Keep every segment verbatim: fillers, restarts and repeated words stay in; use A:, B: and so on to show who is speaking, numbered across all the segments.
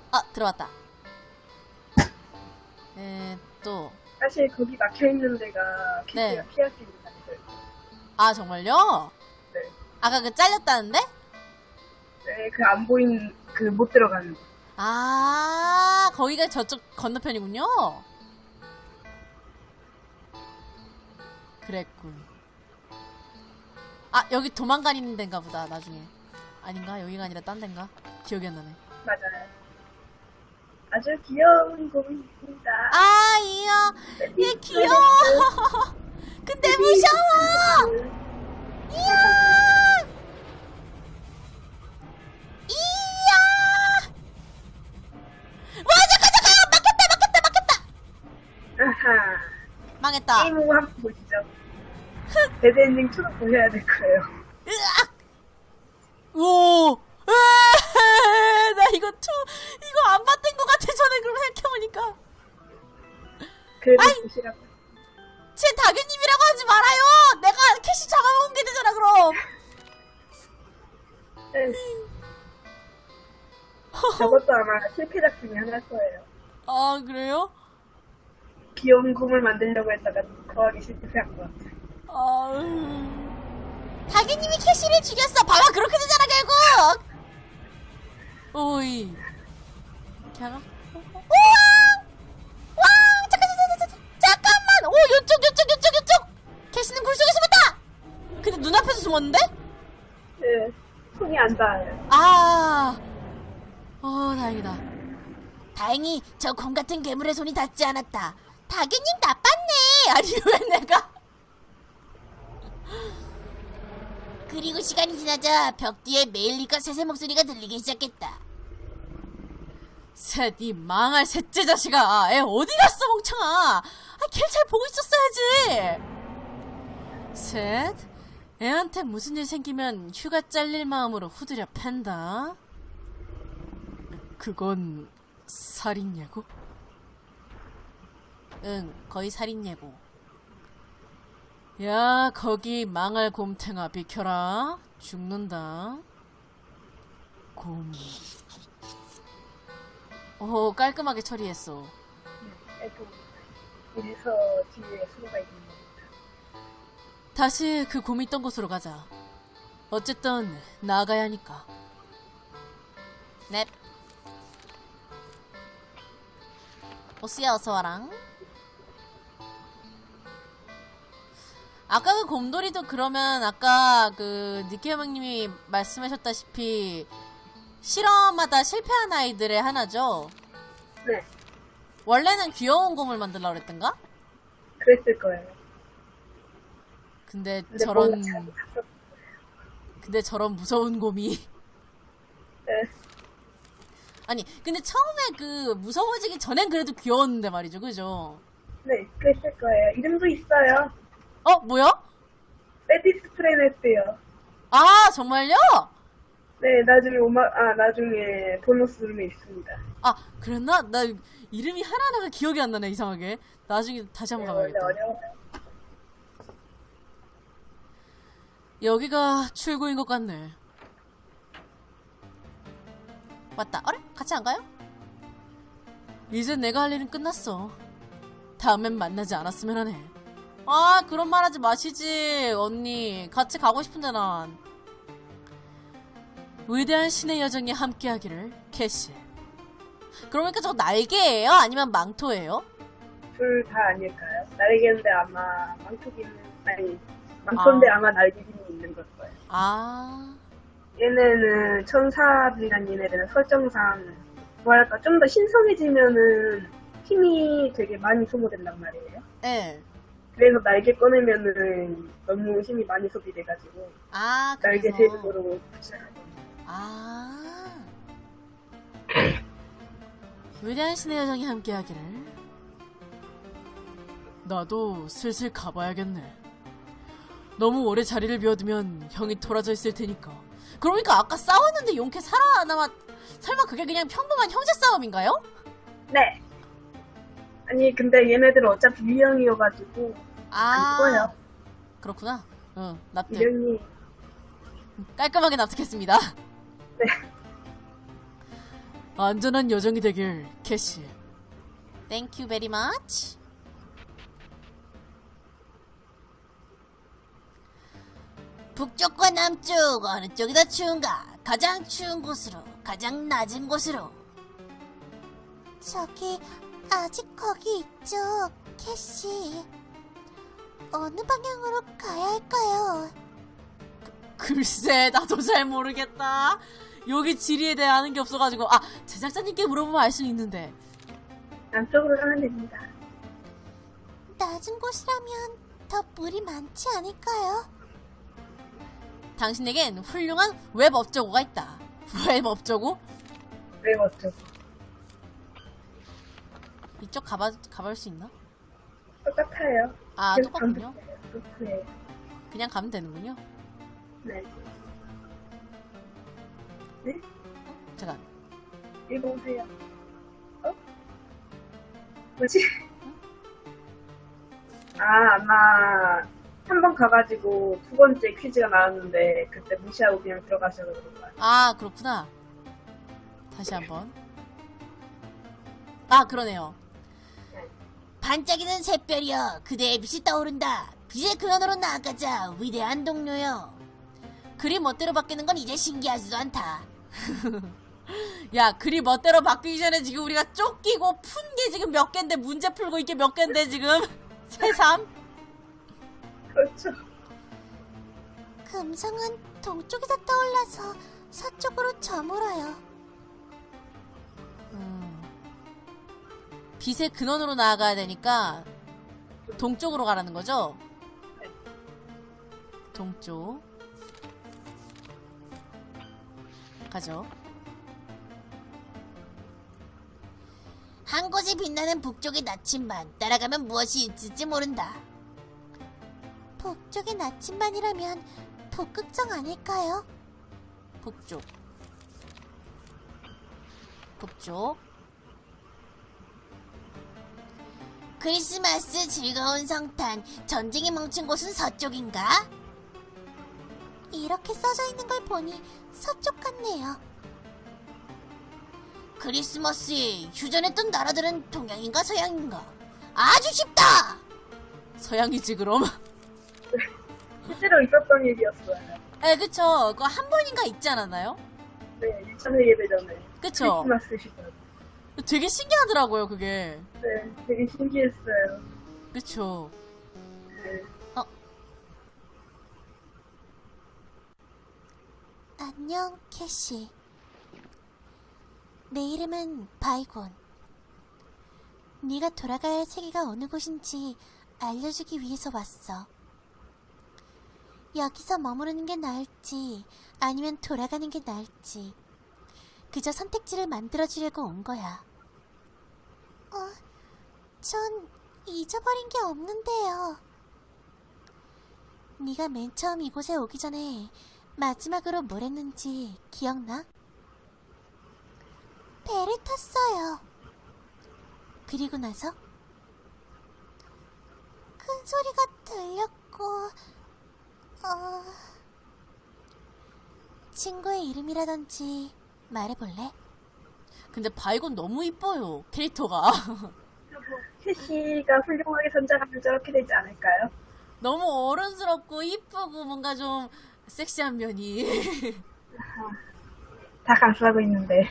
A: 아, 들어왔다. 에, 또.
B: 사실 거기 막혀있는 데가 캐시가
A: 네.
B: 피할 수 있는 장소예요.
A: 아, 정말요?
B: 네.
A: 아까 그 잘렸다는데?
B: 네, 그 안 보이는, 그 못 들어가는 거.
A: 아, 거기가 저쪽 건너편이군요? 그랬군. 아, 여기 도망가는 데인가 보다, 나중에. 아닌가? 여기가 아니라 딴 데인가? 기억이 안 나네.
B: 맞아요. 아주 귀여운 곰이 있습니다.
A: 아, 이야. 얘 귀여워. 근데 무서워. 이야. 이야. 와, 잠깐, 잠깐. 막혔다, 막혔다, 막혔다.
B: 아하.
A: 망했다.
B: 게임 오브 한번 보시죠. 데드엔딩 투도 보셔야 될 거예요.
A: 으악. 오. 으아, 나 이거 투, 이거 안 봤던 것 같아, 전에 그럼 생각해보니까.
B: 그래도
A: 아이.
B: 보시라고.
A: 제 다규님이라고 하지 말아요! 내가 캐시 잡아먹은 게 되잖아, 그럼!
B: 네. 저것도 아마 실패작 중에 하나일 거예요.
A: 아, 그래요?
B: 귀여운 곰을 만들려고 했다가 거하기 실패한 것 같아요.
A: 아, 다규님이 캐시를 죽였어! 봐봐, 그렇게 되잖아, 결국! 오이. 걔가? 우와! 와! 잠깐, 잠깐, 잠깐, 잠깐만! 오, 요쪽, 요쪽, 요쪽, 요쪽! 캐시는 굴 속에 숨었다! 근데 눈앞에서 숨었는데?
B: 네. 손이 안 닿아요.
A: 아, 어, 다행이다. 다행히 저 곰 같은 괴물의 손이 닿지 않았다. 다규님 나빴네. 아니 왜 내가? 그리고 시간이 지나자 벽 뒤에 메일리과 셋의 목소리가 들리기 시작했다. 셋, 이 망할 셋째 자식아. 애 어디 갔어, 멍청아. 아, 걔를 잘 보고 있었어야지. 셋, 애한테 무슨 일 생기면 휴가 잘릴 마음으로 후드려 팬다. 그건 살인 예고? 응, 거의 살인 예고. 야, 거기 망할 곰탱아 비켜라. 죽는다. 곰. 오, 깔끔하게 처리했어.
B: 네, 이래서 뒤에 수로가 있는 겁니다.
A: 다시 그 곰이 있던 곳으로 가자. 어쨌든 나가야 하니까. 넵. 보스야, 어서와랑. 아까 그 곰돌이도 그러면 아까 그 니케형님이 말씀하셨다시피 실험하다 실패한 아이들의 하나죠?
B: 네,
A: 원래는 귀여운 곰을 만들려고 그랬던가?
B: 그랬을 거예요.
A: 근데,
B: 근데
A: 저런
B: 뭔가 자기 갔었-
A: 근데 저런 무서운 곰이
B: 네,
A: 아니 근데 처음에 그 무서워지기 전엔 그래도 귀여웠는데 말이죠, 그죠?
B: 네, 그랬을 거예요. 이름도 있어요.
A: 어, 뭐야?
B: 세디스 프레네스요.
A: 아, 정말요?
B: 네, 나중에 오마, 아, 나중에 보너스 룸에 있습니다.
A: 아, 그랬나? 나 이름이 하나하나가 기억이 안 나네, 이상하게. 나중에 다시
B: 네,
A: 한번
B: 원래
A: 가봐야겠다.
B: 어려워요.
A: 여기가 출구인 것 같네. 맞다. 어래? 같이 안 가요? 이제 내가 할 일은 끝났어. 다음엔 만나지 않았으면 하네. 아, 그런 말 하지 마시지, 언니. 같이 가고 싶은데, 난. 위대한 신의 여정이 함께하기를, 캐시. 그러니까 저거 날개예요? 아니면 망토예요?
B: 둘 다 아닐까요? 날개인데 아마 망토기는, 아니, 망토인데
A: 아.
B: 아. 마 날개기는 있는 걸 거예요.
A: 아,
B: 얘네는 천사들이란 얘네들은 설정상, 뭐랄까, 좀 더 신성해지면은 힘이 되게 많이 소모된단 말이에요.
A: 예.
B: 그래서 날개 꺼내면은 너무 힘이 많이 소비돼가지고,
A: 아,
B: 날개
A: 그래서.
B: 제조로 붙여요.
A: 아. 위대한 신의 여정이 함께하기를. 나도 슬슬 가봐야겠네. 너무 오래 자리를 비워두면 형이 돌아져 있을 테니까. 그러니까 아까 싸웠는데 용케 살아남았. 설마 그게 그냥 평범한 형제 싸움인가요?
B: 네. 아니, 근데 얘네들은 어차피 유형이어가지고, 안
A: 아,
B: 죽어요.
A: 그렇구나. 응, 납득.
B: 유형이,
A: 깔끔하게 납득했습니다.
B: 네.
C: 안전한 여정이 되길, 캐시.
A: Thank you very much. 북쪽과 남쪽 어느 쪽이 더 추운가? 가장 추운 곳으로, 가장 낮은 곳으로. 저기 아직 거기 있죠, 캐시. 어느 방향으로 가야 할까요?
C: 글쎄, 나도 잘 모르겠다. 여기 지리에 대해 아는 게 없어가지고. 아, 제작자님께 물어보면 알 수 있는데.
B: 남쪽으로 가면 됩니다.
A: 낮은 곳이라면 더 물이 많지 않을까요?
C: 당신에겐 훌륭한 웹 업적어가 있다. 웹 업적어?
B: 왜 어쩌고.
C: 이쪽 가봐, 가볼 수 있나?
B: 똑같아요.
C: 아,
B: 계속
C: 똑같군요.
B: 반복해요. 똑같아요.
C: 그냥 가면 되는군요.
B: 네. 네?
C: 잠깐.
B: 읽어보세요. 어? 뭐지? 아, 아마 한 번 가가지고 두 번째 퀴즈가 나왔는데 그때 무시하고 그냥 들어가셔서 그런 거야.
C: 아, 그렇구나. 다시 한번. 아, 그러네요.
A: 반짝이는 샛별이여, 그대의 빛이 떠오른다. 빛의 근원으로 나아가자, 위대한 동료여. 글이 멋대로 바뀌는 건 이제 신기하지도 않다.
C: 야, 글이 멋대로 바뀌기 전에 지금 우리가 쫓기고 푼 게 지금 몇 개인데, 문제 풀고 있게 몇 개인데, 지금. 새삼?
B: 그렇죠.
A: 금성은 동쪽에서 떠올라서 서쪽으로 저물어요.
C: 음. 빛의 근원으로 나아가야 되니까, 동쪽으로 가라는 거죠? 동쪽. 가죠.
A: 한 곳이 빛나는 북쪽의 나침반, 따라가면 무엇이 있을지 모른다. 북쪽의 나침반이라면 북극성 아닐까요?
C: 북쪽. 북쪽.
A: 크리스마스 즐거운 성탄, 전쟁이 멈춘 곳은 서쪽인가? 이렇게 써져 있는 걸 보니 서쪽 같네요. 크리스마스에 휴전했던 나라들은 동양인가 서양인가? 아주 쉽다!
C: 서양이지, 그럼.
B: 실제로 있었던 일이었어요.
C: 에, 그쵸. 그거 한 번인가 있지 않았나요?
B: 네, 일 차 세계대전에.
C: 그쵸.
B: 크리스마스 시절.
C: 되게 신기하더라고요, 그게.
B: 네, 되게 신기했어요.
C: 그쵸.
B: 네.
A: 안녕, 캐시. 내 이름은 바이곤. 네가 돌아가야 할 세계가 어느 곳인지 알려주기 위해서 왔어. 여기서 머무르는 게 나을지 아니면 돌아가는 게 나을지 그저 선택지를 만들어주려고 온 거야. 어, 전 잊어버린 게 없는데요. 네가 맨 처음 이곳에 오기 전에 마지막으로 뭘 했는지 기억나? 배를 탔어요. 그리고 나서 큰 소리가 들렸고 어... 친구의 이름이라든지 말해볼래?
C: 근데 바이곤 너무 이뻐요, 캐릭터가.
B: 캐시가 훌륭하게 선장하면 저렇게 되지 않을까요?
C: 너무 어른스럽고 이쁘고 뭔가 좀 섹시한 면이.
B: 다 감싸고 있는데.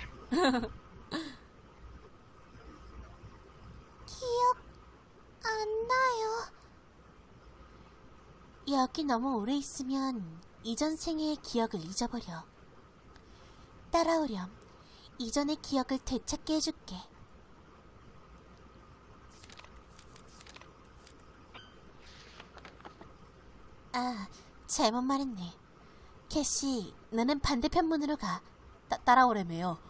A: 기억 안 나요. 여기 너무 오래 있으면 이전 생애의 기억을 잊어버려. 따라오렴. 이전의 기억을 되찾게 해줄게. 아, 잘못 말했네. 캐시, 너는 반대편 문으로 가.
C: 따, 따라오래매요.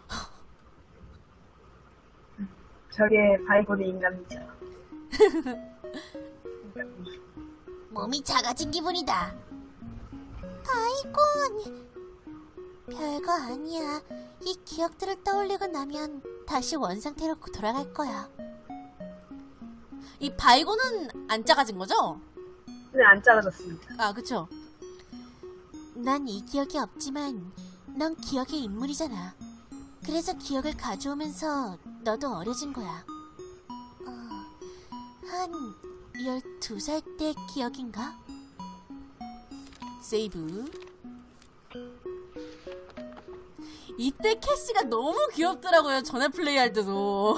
B: 저게 바이곤의 인간이죠.
A: 몸이 작아진 기분이다. 바이곤! 별거 아니야. 이 기억들을 떠올리고 나면 다시 원상태로 돌아갈 거야.
C: 이 바이곤은 안 작아진 거죠?
B: 근데 안 작아졌습니다.
C: 아, 그쵸.
A: 난 이 기억이 없지만 넌 기억의 인물이잖아. 그래서 기억을 가져오면서 너도 어려진 거야. 어, 한 열두 살 때 기억인가?
C: 세이브. 이때 캐시가 너무 귀엽더라고요. 전에 플레이할 때도.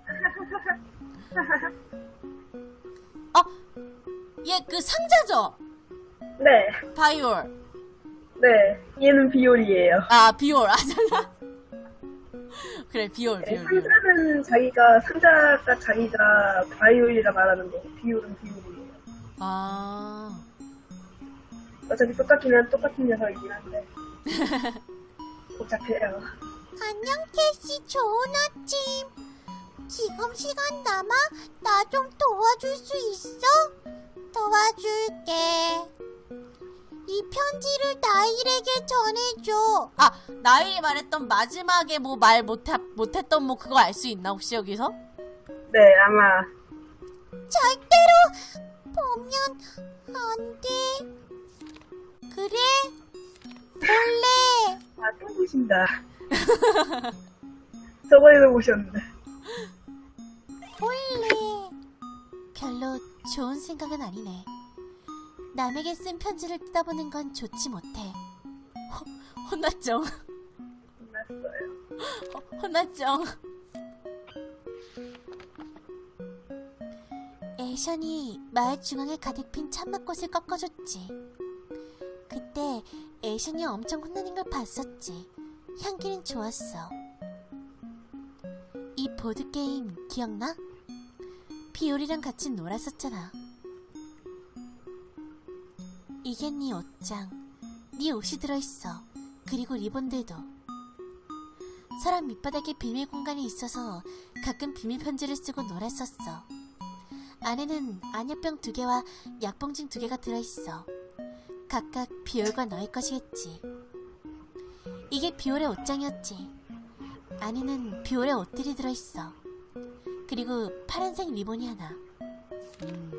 C: 아, 얘 그 상자죠?
B: 네,
C: 바이올.
B: 네. 얘는 비올이에요.
C: 아, 비올. 아, 잠깐. 그래, 비올,
B: 네,
C: 비올, 비올.
B: 상자는 자기가, 상자가 자기가 바이올이라 말하는 거고, 비올은 비올이에요.
C: 아.
B: 어차피 똑같긴 한 똑같은 녀석이긴 한데. 복잡해요.
A: 안녕 캐시, 좋은 아침. 지금 시간 남아? 나 좀 도와줄 수 있어? 도와줄게. 이 편지를 나일에게 전해줘.
C: 아, 나이 말했던 마지막에 뭐 말 못해, 못했던 뭐 그거 알 수 있나, 혹시 여기서?
B: 네, 아마.
A: 절대로 보면 안 돼. 그래? 몰래.
B: 아, 또 보신다. 저번에도 보셨는데.
A: 몰래. 별로 좋은 생각은 아니네. 남에게 쓴 편지를 뜯어보는 건 좋지 못해.
C: 혼났죠?
B: 끝났어요.
C: 혼났죠?
A: 애션이 마을 중앙에 가득 핀 참맛꽃을 꺾어줬지. 그때 애션이 엄청 혼나는 걸 봤었지. 향기는 좋았어. 이 보드게임 기억나? 비올이랑 같이 놀았었잖아. 이게 네 옷장. 네 옷이 들어있어. 그리고 리본들도. 서랍 밑바닥에 비밀 공간이 있어서 가끔 비밀 편지를 쓰고 놀았었어. 안에는 안약병 두 개와 약봉진 두 개가 들어있어. 각각 비올과 너의 것이겠지. 이게 비올의 옷장이었지. 안에는 비올의 옷들이 들어있어. 그리고 파란색 리본이 하나.
C: 음.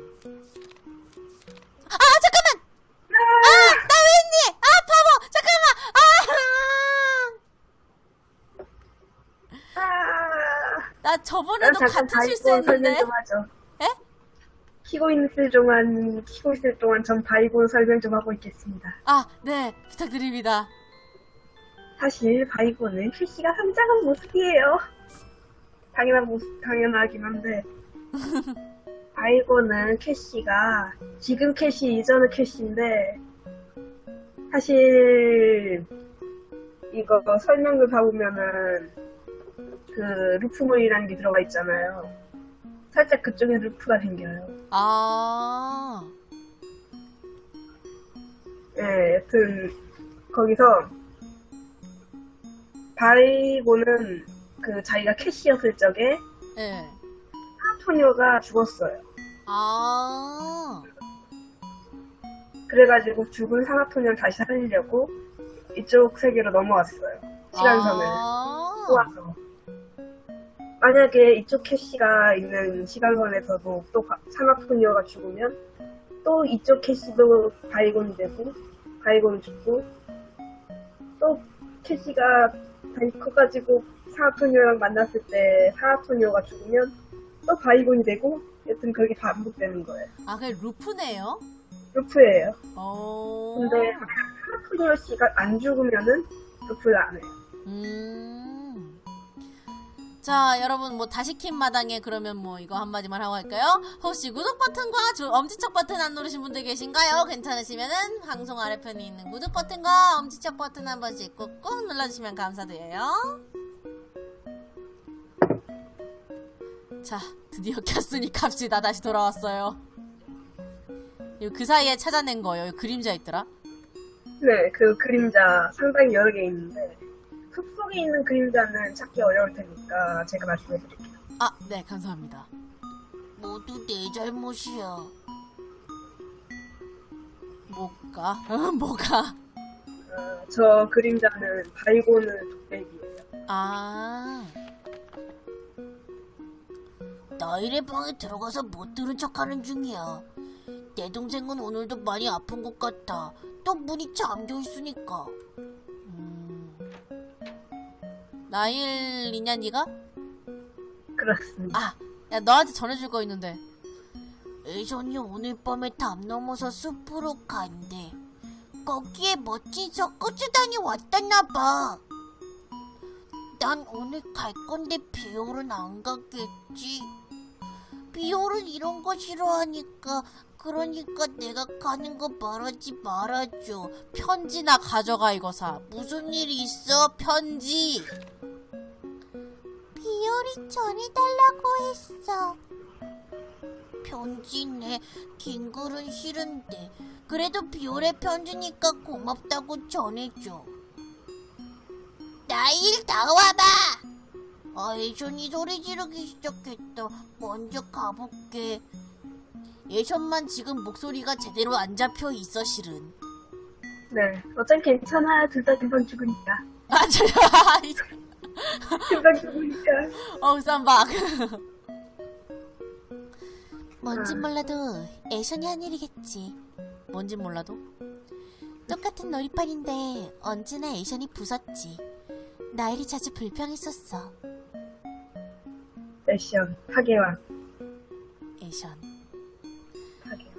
A: 아 잠깐만! 아! 나 왜 했니? 아 바보! 잠깐만! 아!
B: 아,
C: 나 저번에도
B: 난 잠깐
C: 같은
B: 바이고
C: 실수했는데.
B: 설명 좀 하죠.
C: 에?
B: 키고 있을 동안, 키고 있을 동안 전 바이고 설명 좀 하고 있겠습니다.
C: 아, 네. 부탁드립니다.
B: 사실 바이고는 캐시가 성장한 모습이에요. 당연한 모습, 당연하긴 한데. 바이고는 캐시가, 지금 캐시, 이전의 캐시인데, 사실, 이거 설명을 봐보면은, 그, 루프문이라는 게 들어가 있잖아요. 살짝 그쪽에 루프가 생겨요.
C: 아.
B: 예, 여튼, 거기서, 바이고는 그 자기가 캐시였을 적에
C: 예.
B: 사토녀가 죽었어요.
C: 아.
B: 그래가지고 죽은 사나토녀를 다시 살리려고 이쪽 세계로 넘어왔어요. 시간선을
C: 아.
B: 꼬아서. 만약에 이쪽 캐시가 있는 시간선에서도 또 바- 사나토녀가 죽으면 또 이쪽 캐시도 바이곤이 되고 바이곤이 죽고 또 캐시가 다시 커가지고 사나토녀랑 만났을 때 사나토녀가 죽으면 또 바이곤이 되고 여튼 그렇게 반복되는 거예요.
C: 아, 그게 루프네요?
B: 루프예요.
C: 어.
B: 근데 사나토녀 씨가 안 죽으면은 루프를 안 해요.
C: 음. 자, 여러분, 뭐, 다시 킨 마당에 그러면 뭐, 이거 한마디만 하고 할까요? 혹시 구독 버튼과 조- 엄지척 버튼 안 누르신 분들 계신가요? 괜찮으시면은, 방송 아래편에 있는 구독 버튼과 엄지척 버튼 한 번씩 꾹꾹 눌러주시면 감사드려요. 자, 드디어 켰으니 갑시다. 다시 돌아왔어요. 이거 그 사이에 찾아낸 거예요. 여기 그림자 있더라.
B: 네, 그 그림자 상당히 여러 개 있는데 숲속에 있는 그림자는 찾기 어려울 테니까 제가 말씀해드릴게요.
C: 아, 네, 감사합니다.
A: 모두 내 잘못이야.
C: 뭐가? 뭐가?
B: 어, 저 그림자는 바이고는 독백이에요.
C: 아.
A: 나일의 방에 들어가서 못 들은 척하는 중이야. 내 동생은 오늘도 많이 아픈 것 같아. 또 문이 잠겨 있으니까.
C: 음. 나일이냐 니가?
B: 그렇습니다.
C: 아, 야 너한테 전해줄 거 있는데. 애전이 오늘 밤에 담 넘어서 숲으로 간대. 거기에 멋진 석고수단이 왔다나봐. 난 오늘 갈 건데 비올은 안 갔겠지. 비올은 이런 거 싫어하니까. 그러니까 내가 가는 거 말하지 말아줘. 편지나 가져가 이거사. 무슨 일이 있어 편지. 비올이 전해달라고 했어. 편지네. 긴 글은 싫은데. 그래도 비올의 편지니까 고맙다고 전해줘. 나일 나와봐. 아, 애션이 소리 지르기 시작했다. 먼저 가볼게. 애션만 지금 목소리가 제대로 안 잡혀 있어 실은.
B: 네. 어차피 괜찮아. 둘 다 금방 죽으니까.
C: 아, 저,
B: 금방 죽으니까.
C: 어우 쌈박. 뭔진 몰라도 애션이 한 일이겠지. 뭔진 몰라도? 똑같은 놀이판인데 언제나 애션이 부쉈지. 나일이 자주 불평했었어.
B: 액션. 파괴왕.
C: 애션.
B: 파괴왕.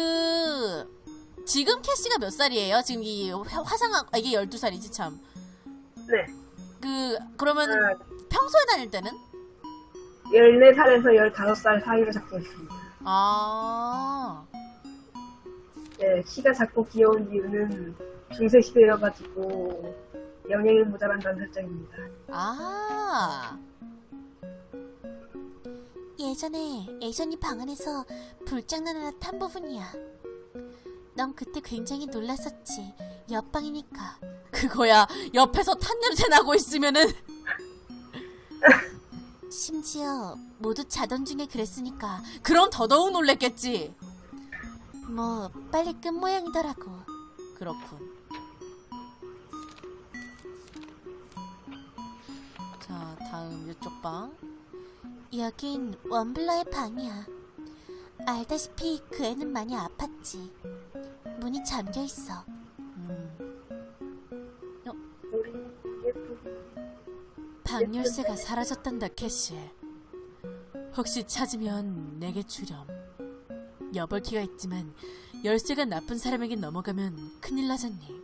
C: 그 지금 캐시가 몇 살이에요? 지금 이 화- 화상학 아, 이게 열두 살이지 참.
B: 네.
C: 그 그러면
B: 아,
C: 평소에 다닐 때는?
B: 열네 살에서 열다섯 살 사이로 잡고 있습니다.
C: 아.
B: 네, 키가 작고 귀여운 이유는 중세 시대여가지고 영양이 모자란다는 설정입니다.
C: 아. 예전에 애션이 방 안에서 불장난 하나 탄 부분이야. 넌 그때 굉장히 놀랐었지. 옆방이니까. 그거야. 옆에서 탄 냄새 나고 있으면은. 심지어 모두 자던 중에 그랬으니까 그럼 더더욱 놀랬겠지. 뭐 빨리 끝 모양이더라고. 그렇군. 자, 다음 이쪽 방. 여긴 원블러의 방이야. 알다시피 그 애는 많이 아팠지. 문이 잠겨있어. 음.
B: 우리 예쁘고
C: 방 열쇠가 사라졌단다, 캐시. 혹시 찾으면 내게 주렴. 여벌키가 있지만 열쇠가 나쁜 사람에게 넘어가면 큰일 나잖니.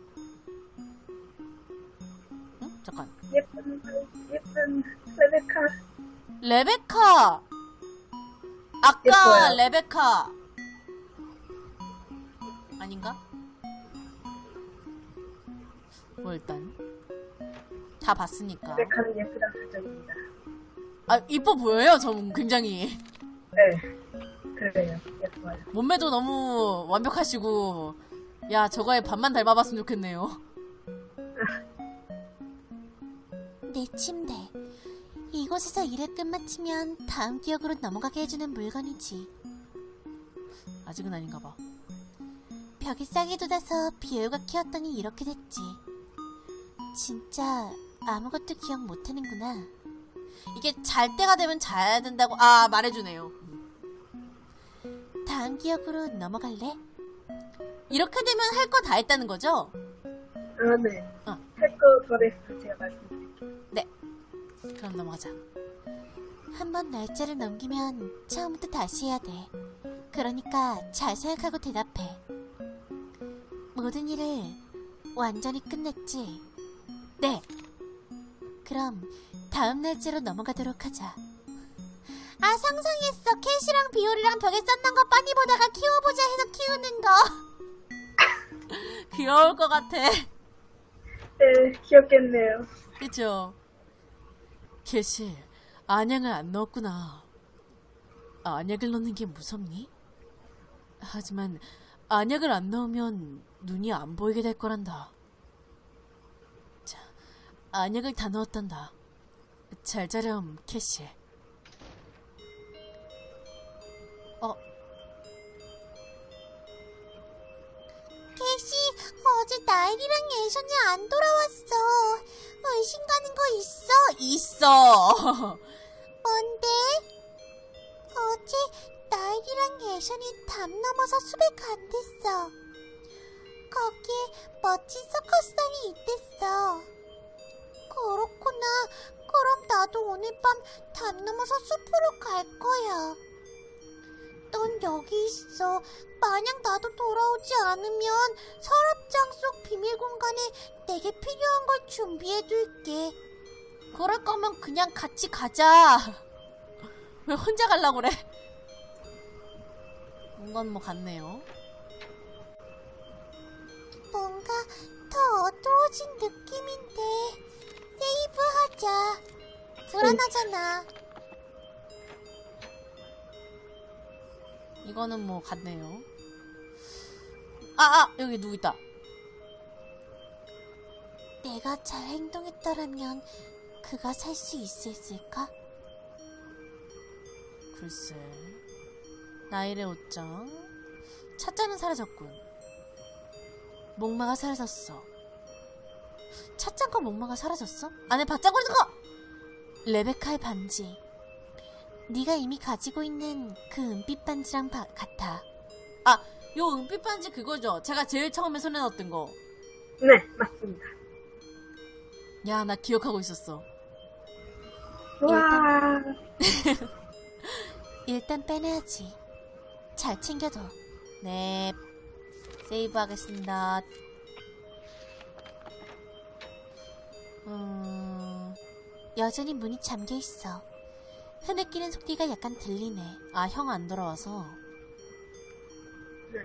C: 응? 잠깐.
B: 예쁜 예쁜 레베카.
C: 레베카! 아까
B: 예뻐요.
C: 레베카 아닌가? 뭐 일단 다 봤으니까.
B: 레베카는 예쁘다 설정입니다.
C: 아 이뻐 보여요. 저 굉장히
B: 네, 그래요. 예뻐요.
C: 몸매도 너무 완벽하시고. 야 저거에 반만 닮아봤으면 좋겠네요. 내 침대. 이곳에서 일을 끝마치면 다음 기억으로 넘어가게 해주는 물건이지. 아직은 아닌가 봐. 벽에 싹이 돋아서 비올가 키웠더니 이렇게 됐지. 진짜 아무것도 기억 못하는구나. 이게 잘 때가 되면 자야 된다고 아 말해주네요. 다음 기억으로 넘어갈래? 이렇게 되면 할 거 다 했다는 거죠?
B: 아, 네.
C: 어.
B: 할 거 더레스 제가 말씀드릴게요.
C: 네. 그럼 넘어가자. 한번 날짜를 넘기면 처음부터 다시 해야 돼. 그러니까 잘 생각하고 대답해. 모든 일을 완전히 끝냈지? 네. 그럼 다음 날짜로 넘어가도록 하자. 아 상상했어. 캐시랑 비올이랑 벽에 쌓는 거 빤히 보다가 키워보자 해서 키우는 거. 귀여울 것 같아.
B: 네, 귀엽겠네요.
C: 그쵸? 캐시, 안약을 안 넣었구나. 안약을 넣는 게 무섭니? 하지만 안약을 안 넣으면 눈이 안 보이게 될 거란다. 자, 안약을 다 넣었단다. 잘 자렴, 캐시. 어?
A: 캐시, 어제 나일이랑 애션이 안 돌아왔어. 의심 가는 거 있어?
C: 있어!
A: 뭔데? 어제 나일이랑 애션이 담 넘어서 숲에 간댔어. 거기에 멋진 서커스단이 있댔어. 그렇구나. 그럼 나도 오늘 밤 담 넘어서 숲으로 갈 거야. 넌 여기 있어. 만약 나도 돌아오지 않으면 서랍장 속 비밀 공간에 내게 필요한 걸 준비해둘게.
C: 그럴 거면 그냥 같이 가자. 왜 혼자 가려고 그래? 이건 뭐 같네요.
A: 뭔가 더 어두워진 느낌인데 세이브하자. 불안하잖아.
C: 이거는 뭐 같네요. 아, 아! 여기 누구 있다.
A: 내가 잘 행동했더라면 그가 살 수 있었을까?
C: 글쎄. 나일의 옷장. 차자는 사라졌군. 목마가 사라졌어. 차장과 목마가 사라졌어? 안에 바짝거리는 거! 레베카의 반지. 네가 이미 가지고 있는 그 은빛 반지랑 바, 같아. 아, 요 은빛 반지 그거죠? 제가 제일 처음에 손에 넣었던 거.
B: 네, 맞습니다.
C: 야, 나 기억하고 있었어.
B: 와,
A: 일단 빼내야지. 잘 챙겨둬.
C: 네. 세이브 하겠습니다.
A: 음... 여전히 문이 잠겨있어. 흐느끼는 소리가 약간 들리네.
C: 아, 형 안 돌아와서.
B: 네.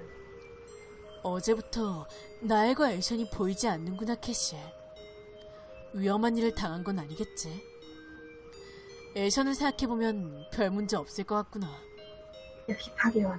C: 어제부터 나엘과 엘션이 보이지 않는구나, 캐시. 위험한 일을 당한 건 아니겠지? 엘션을 생각해보면 별 문제 없을 것 같구나.
B: 역시 파괴왕.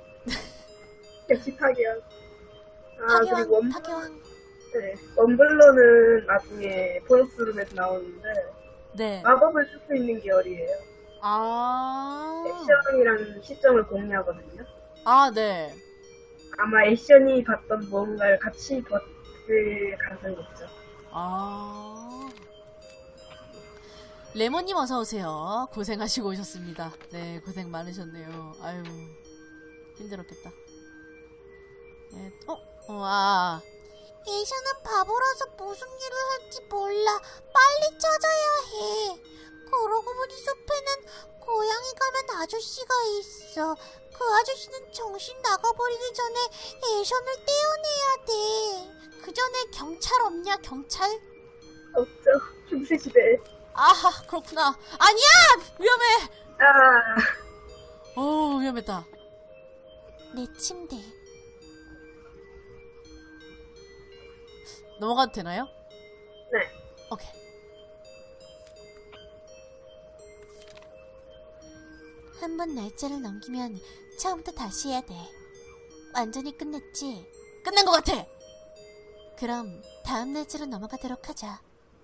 B: 역시 파괴왕. 아, 그리고
A: 파괴왕,
B: 원,
A: 파괴왕.
B: 네, 원블러는 나중에 보너스룸에서 나오는데
C: 네.
B: 마법을 쓸 수 있는 계열이에요.
C: 아.
B: 액션이라는 시점을 공유하거든요.
C: 아, 네.
B: 아마 액션이 봤던 무언가를 같이 봤을 가능성이 있죠.
C: 아. 레몬님 어서오세요. 고생하시고 오셨습니다. 네, 고생 많으셨네요. 아유, 힘들었겠다. 네, 어? 어, 아.
A: 예션은 바보라서 무슨 일을 할지 몰라. 빨리 찾아야 해. 그러고 보니 숲에는 고양이 가면 아저씨가 있어. 그 아저씨는 정신 나가버리기 전에 예션을 떼어내야 돼.
C: 그 전에 경찰 없냐, 경찰?
B: 없죠. 중세 시대에.
C: 아하, 그렇구나. 아니야! 위험해!
B: 아,
C: 어우, 위험했다.
A: 내 침대.
C: 넘어가도 되나요?
B: 네.
C: 오케이.
A: 한 번 날짜를 넘기면 처음부터 다시 해야 돼. 완전히 끝냈지?
C: 끝난 것 같아!
A: 그럼 다음 날짜로 넘어가도록 하자.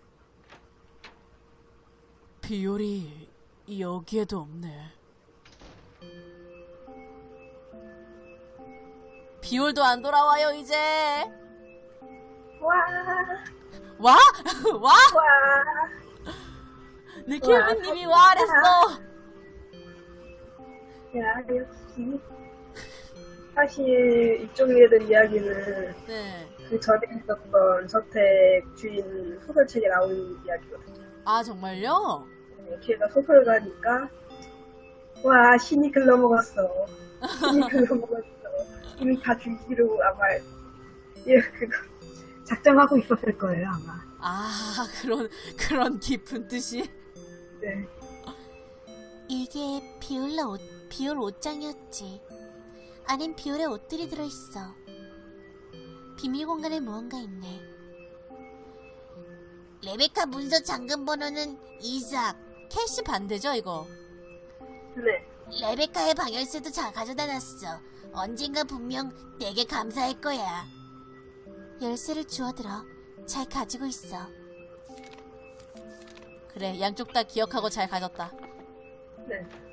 C: 비올이 여기에도 없네. 비올도 안 돌아와요, 이제.
B: 와,
C: 와? 와?
B: 와.
C: 느키우님이 와 그랬어.
B: 야, 역시. 사실 이쪽에 대한 이야기는
C: 네.
B: 그 전에 있었던 저택 주인 소설책에 나오는 이야기거든요.
C: 아, 정말요?
B: 네, 걔가 소설가니까 와, 신이 글러먹었어. 신이 글러먹었어. 이미 다 죽이기로 아마 예, 그거 작정하고 있었을 거예요, 아마.
C: 아, 그런, 그런 깊은 뜻이?
B: 네.
A: 이게 비올라 옷, 비올 옷장이었지. 안엔 비올의 옷들이 들어있어. 비밀 공간에 무언가 있네. 레베카 문서 잠금 번호는 이삭.
C: 캐시 반대죠, 이거?
B: 네.
A: 레베카의 방열쇠도 잘 가져다 놨어. 언젠가 분명 내게 감사할 거야. 열쇠를 주워들어. 잘 가지고 있어.
C: 그래, 양쪽 다 기억하고 잘 가졌다.
B: 네.